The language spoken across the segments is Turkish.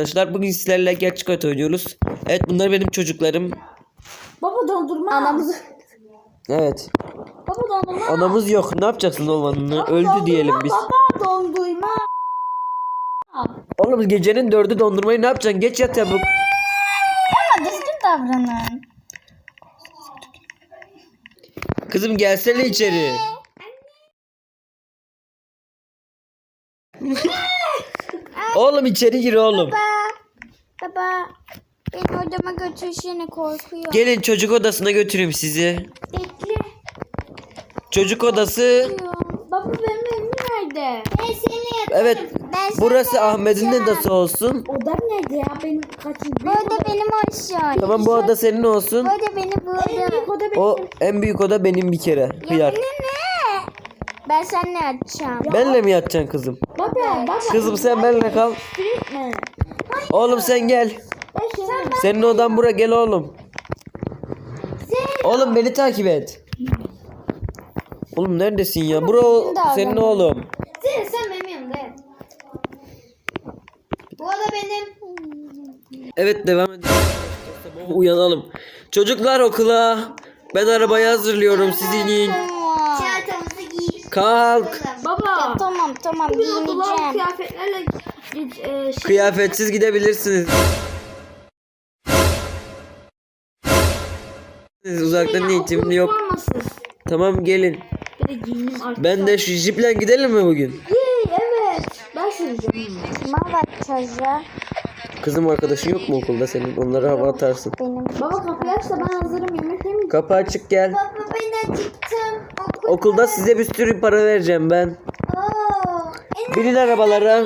arkadaşlar. Bugün sizlerle gerçek hayat oynuyoruz. Evet, bunlar benim çocuklarım. Baba dondurma. Anamızı. Evet. Baba dondurma. Anamız yok. Ne yapacaksın oğlanını? Öldü Dondurma, diyelim biz. Baba dondurma. Oğlum gecenin 4'ü dondurmayı ne yapacaksın? Geç yat ya bu. Ama düzgün davranın. Kızım gelsene içeri. Oğlum içeri gir oğlum. Baba. Beni odama götürsene, korkuyor. Gelin çocuk odasına götüreyim sizi. Bekle. Çocuk odası. Baba benim evim nerede? Ben seni Evet. Burası Ahmet'in odası olsun. Odam nerede ya? Benim kaçıncı? Bu oda benim olsun. Tamam, bu oda senin olsun. Bu oda benim, bu oda. En büyük oda benim. O en büyük oda benim bir kere. Hıyar. Ne? Ben seninle yatacağım. Benle mi yatacaksın kızım? Baba. Kızım sen benimle kal. Mi? Oğlum sen gel. Senin odan bura, gel oğlum. Oğlum beni takip et. Oğlum neredesin ya? Bura senin oğlum. Sen benim yanımda. Bu oda benim. Evet, devam edelim. Sabah uyanalım. Çocuklar okula. Ben arabayı hazırlıyorum, siz inin. Çantamızı giy. Kalk. Baba. Tamam giyineceğim. Kıyafetlerle Kıyafetsiz gidebilirsiniz. Uzaktan eğitimli yok. Tamam gelin. Ben de şu jiple gidelim mi bugün? Evet. Ben süreceğim. Kime bakacağız ya? Kızım arkadaşın yok mu okulda senin? Onlara hava atarsın. Benim. Baba kapıyı aç da ben hazırım, yemek yemeyeceğim. Kapı açık, gel. Baba ben acıktım. Okulda size bir sürü para vereceğim ben. Binin arabalara.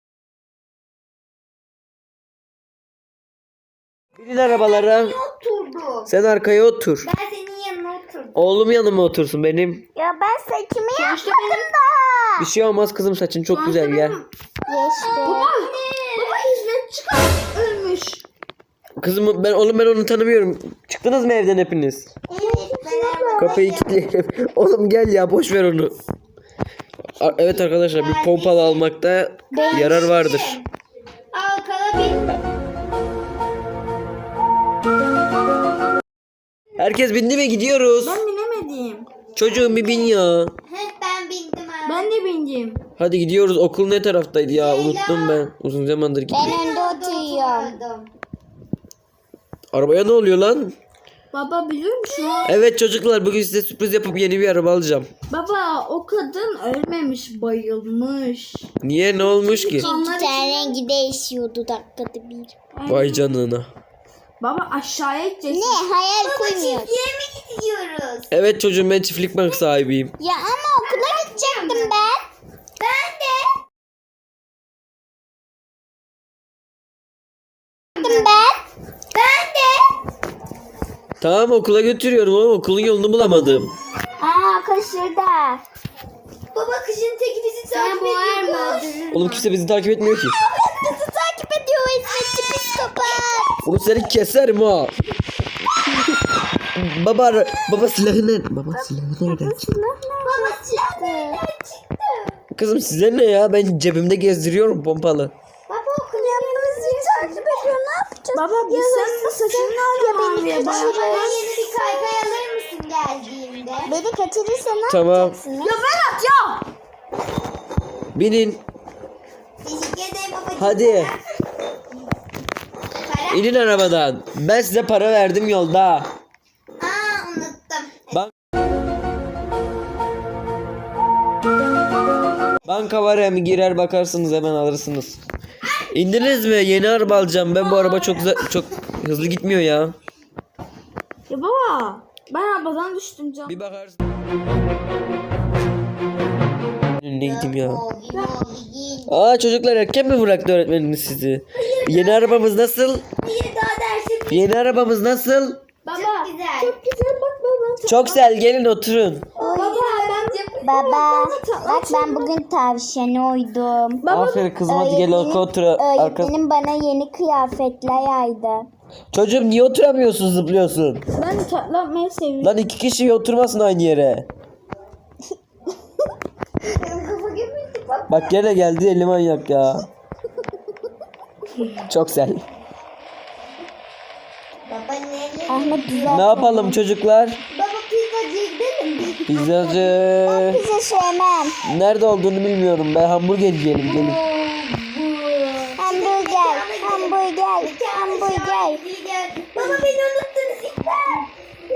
Binin arabalara. Oturdu. Sen arkaya otur. Ben senin yanına oturdum. Oğlum yanıma otursun benim. Ya ben saçımı yapmadım da. Bir şey olmaz kızım, saçın çok güzel, gel. Geçti. Baba hizmet çıkar. Ölmüş. Kızım ben onu tanımıyorum. Çıktınız mı evden hepiniz? Evet. Kapıyı kilitleyelim. Oğlum gel ya, boş ver onu. Evet arkadaşlar, bir pompalı almakta yarar vardır. Al kalabilir. Herkes bindi mi, gidiyoruz? Ben binemedim. Çocuğum bir bin ya. Ben bindim abi. Ben de bindim. Hadi gidiyoruz. Okul ne taraftaydı ya? Unuttum ben. Uzun zamandır gittim. Ben önde oturuyorum. Arabaya ne oluyor lan? Baba biliyor musun? Evet çocuklar, bugün size sürpriz yapıp yeni bir araba alacağım. Baba o kadın ölmemiş, bayılmış. Niye, ne olmuş ki? Onlar Ten rengi değişiyordu dakikada bir. Vay canına. Baba aşağıya gideceğiz. Ne hayal kurmuyor. mi gidiyoruz? Evet çocuğum, ben çiftlik bank sahibiyim. Ya ama okula gidecektim ben. Ben de. Gittim ben. Tamam, okula götürüyorum ama okulun yolunu bulamadım. Şurada. Baba kışın teki bizi takip ediyor. Oğlum kimse bizi takip etmiyor ki. Bizi takip ediyor o hizmetçi psikopat. Oğlum seni keserim ha. Baba silahı nerede? Baba silahı nerede? Baba çıktı. Kızım size ne ya? Ben cebimde gezdiriyorum pompalı. Baba okul bizi takip ediyor, ne yapacağız? Baba biz senin saçını alalım. Baba yeni bir kaykay alır mısın geldiğinde? Beni kaçırırsa ne Tamam. yapacaksınız? Ya ben atacağım. Binin. Teşekkür ederim babacığım. Hadi. Para? İnin arabadan. Ben size para verdim yolda. Aa unuttum. Banka var, hem girer bakarsınız, hemen alırsınız. İndiniz mi? Yeni araba alacağım. Ben bu araba çok hızlı gitmiyor ya. Ya baba ben arabadan düştüm canım. Bir bakarsın. Ne gideyim ya. Aa çocuklar, erken mi bıraktı öğretmeniniz sizi? Yeni arabamız nasıl? Hayır daha dersim. Yeni arabamız nasıl? Baba çok güzel. Çok güzel bak baba. Çok güzel, gelin oturun. Baba Baba bak ben bugün tavşana uydum. Aferin kızım, hadi gel otur. Öğretmenim bana yeni kıyafetler yaydı. Çocuğum niye oturamıyorsun, zıplıyorsun? Ben tatlanmayı seviyorum. Lan iki kişi oturmasın aynı yere. Bak gene geldi, eli manyak ya. Çok güzel. Baba nereye? Ahmet güzel. Ne yapalım çocuklar? Baba pizzacıya gidelim mi? Pizzacı. Bize sevmem. Nerede olduğunu bilmiyorum. Ben hamburger yiyelim gelin. Hamburger. Hamburger. Hamburger. Baba beni unuttunuz İkbal.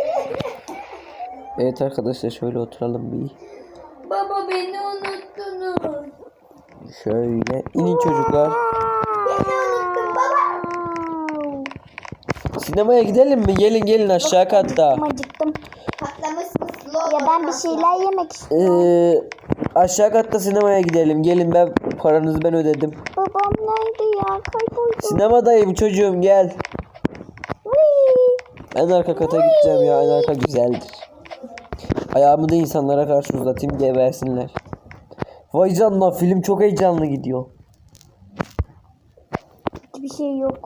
Evet arkadaşlar şöyle oturalım bir. Baba beni unuttunuz. Şöyle inin çocuklar. Beni unuttun baba. Sinemaya gidelim mi? Gelin aşağı katta. Acıktım. Patlamış mısın? Ya ben bir şeyler yemek istiyorum. Aşağı katta sinemaya gidelim. Gelin paranızı ben ödedim. Babam nerede ya? Kayboldu. Sinemadayım çocuğum gel. En arka kata gideceğim ya. En arka güzeldir. Ayağımı da insanlara karşı uzatayım gebersinler. Vay canına film çok heyecanlı gidiyor. Hiçbir şey yok.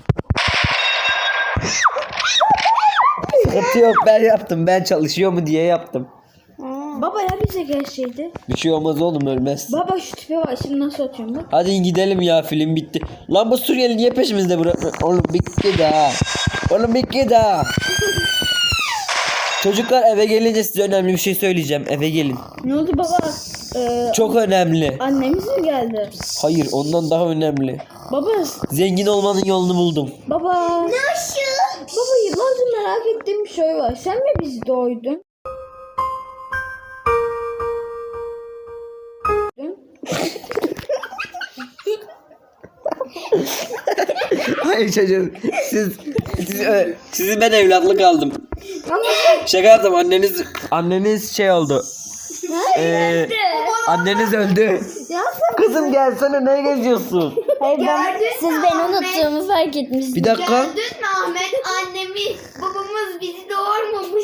Sıkıntı yok ben yaptım. Ben çalışıyor mu diye yaptım. Baba ya bize gelseydi. Bir şey olmaz oğlum ölmez. Baba şu tipe var şimdi nasıl atıyorum bak. Hadi gidelim ya film bitti. Lan bu Suriyeli niye peşimizde bırakmıyor? Oğlum bitti daha. Oğlum bitti daha. Çocuklar eve gelince size önemli bir şey söyleyeceğim. Eve gelin. Ne oldu baba? Çok önemli. Annemiz mi geldi? Hayır ondan daha önemli. Baba. Zengin olmanın yolunu buldum. Baba. Nasıl? Baba yıllardır merak ettiğim bir şey var. Sen mi bizi doydun? Hayır çocuğum. Sizi ben evlatlık aldım. Şaka yaptım anneniz şey oldu. Anneniz öldü. Kızım gelsene ne geziyorsun? Hayır siz beni unuttuğumu fark etmişsiniz. Bir dakika. Gördün mü Ahmet? Annemiz, babamız bizi doğurmamış.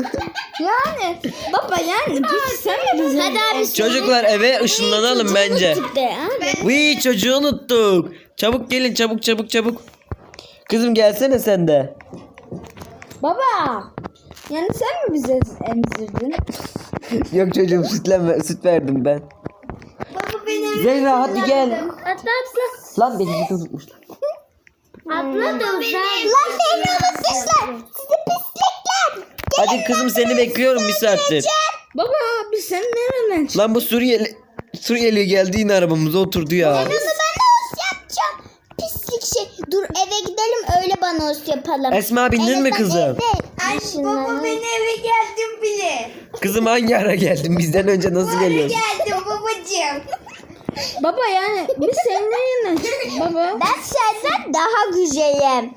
Yani baba yani peki sen mi bizi? Hadi abi. Çocuklar eve ışınlanalım bence. De, ha? Vii çocuğu unuttuk. Çabuk gelin çabuk. Kızım gelsene sen de. Baba. Yani sen mi bize emzirdin? Yok çocuğum süt verdim ben. Baba beni Zehra hadi gel. Atla. Lan beni bir unutmuşlar. Atla da uzak. Lan beni unutmuşlar. Sizi pislikler. Hadi kızım seni bekliyorum bir saattir. Baba biz sen nereden çıktın? Lan bu Suriyeli geldi yine arabamıza oturdu ya. Bunu ben os yapacağım. Pislik şey. Dur eve gidelim öyle bana os yapalım. Esma bindin mi kızım? Ay baba beni eve geldim bile. Kızım hangi ara geldin? Bizden önce nasıl geliyorsun? Geldim babacığım. Baba yani biz senin nereden çıktık baba? Ben senden daha güzelim.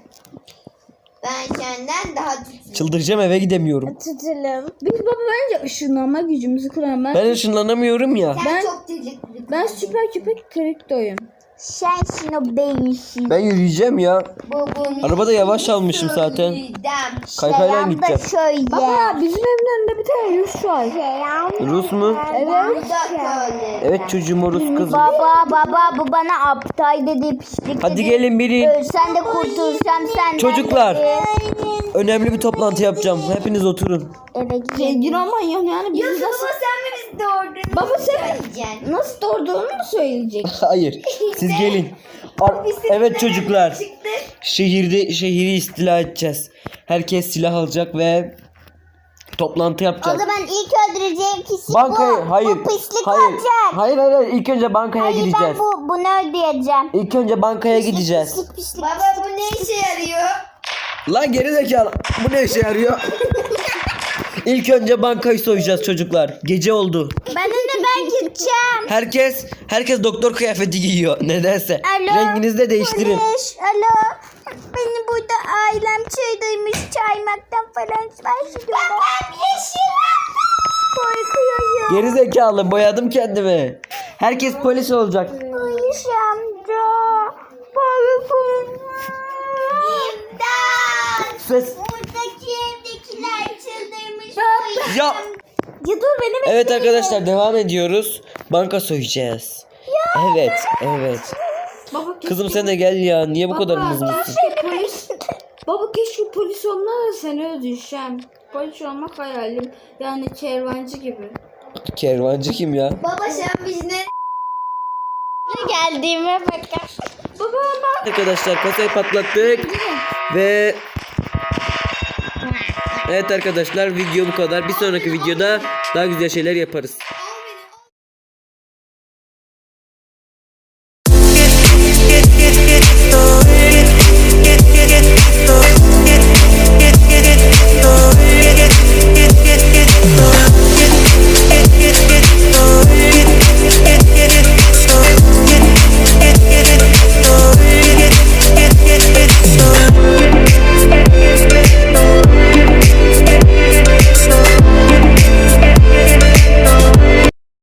Ben senden daha tutuyorum. Çıldıracağım eve gidemiyorum. Tutalım. Biz baba bence ışınlanma gücümüzü kullanalım. Ben ışınlanamıyorum ya. Sen çok teşekkür Ben süper köpek kriptoyum. Sensin o beyinsiz. Ben yürüyeceğim ya. Babamı Arabada yavaş almışım zaten. Kaykayla Selam da gideceğim. şöyle. Baba bizim evin önünde bir tane Rus var. Rus mu? Evet. Evet çocuğum o Rus kızım. Baba bu bana aptal dedi pislik Hadi dedi. gelin binin. Ölsen de kurtulsam senden Çocuklar. dedi. Önemli bir toplantı yapacağım. Hepiniz oturun. Eve gidelim. Zengin olman yok yani Ya biz baba nasıl, sen mi bizi doğurdun? Baba sen Söyleyeceksin. nasıl doğduğunu mu söyleyecek? Hayır. Siz gelin. Evet çocuklar. Şehri istila edeceğiz. Herkes silah alacak ve toplantı O yapacağız. zaman ilk öldüreceğim kişi Bankaya bu. hayır. Bu pislik Hayır. olacak. Hayır. İlk önce bankaya Hayır gideceğiz. ben bunu ödeyeceğim. İlk önce bankaya gideceğiz. Pislik. Baba bu ne işe yarıyor? Lan geri zekalı. Bu ne işe yarıyor? İlk önce bankayı soyacağız çocuklar. Gece oldu. Ben gideceğim. Herkes doktor kıyafeti giyiyor. Nedense. Alo. Renginizi de değiştirin. Polis, alo. Beni burada ailem çaydaymış. Çaymaktan falan başlıyorlar. Babam yeşil. Korkuyorum. Geri zekalı boyadım kendimi. Herkes polis olacak. Polis amca. Korkuyorum. İmdat. Ses. Buradaki evdekiler çıldırmış. Ya. Ya dur beni bekle. Evet arkadaşlar devam ediyoruz. Banka soyacağız. Evet. Baba keşke, Kızım sen de gel ya. Niye bu kadar baba, mızmızsın? keşke polis. Baba keşke polis olma da seni öldürsem. Polis olmak hayalim. Yani kervancı gibi. Kervancı kim ya? Baba sen biz ne? Geldiğime bakar. Baba bak. Arkadaşlar kasayı patlattık ve evet arkadaşlar video bu kadar. Bir sonraki videoda daha güzel şeyler yaparız.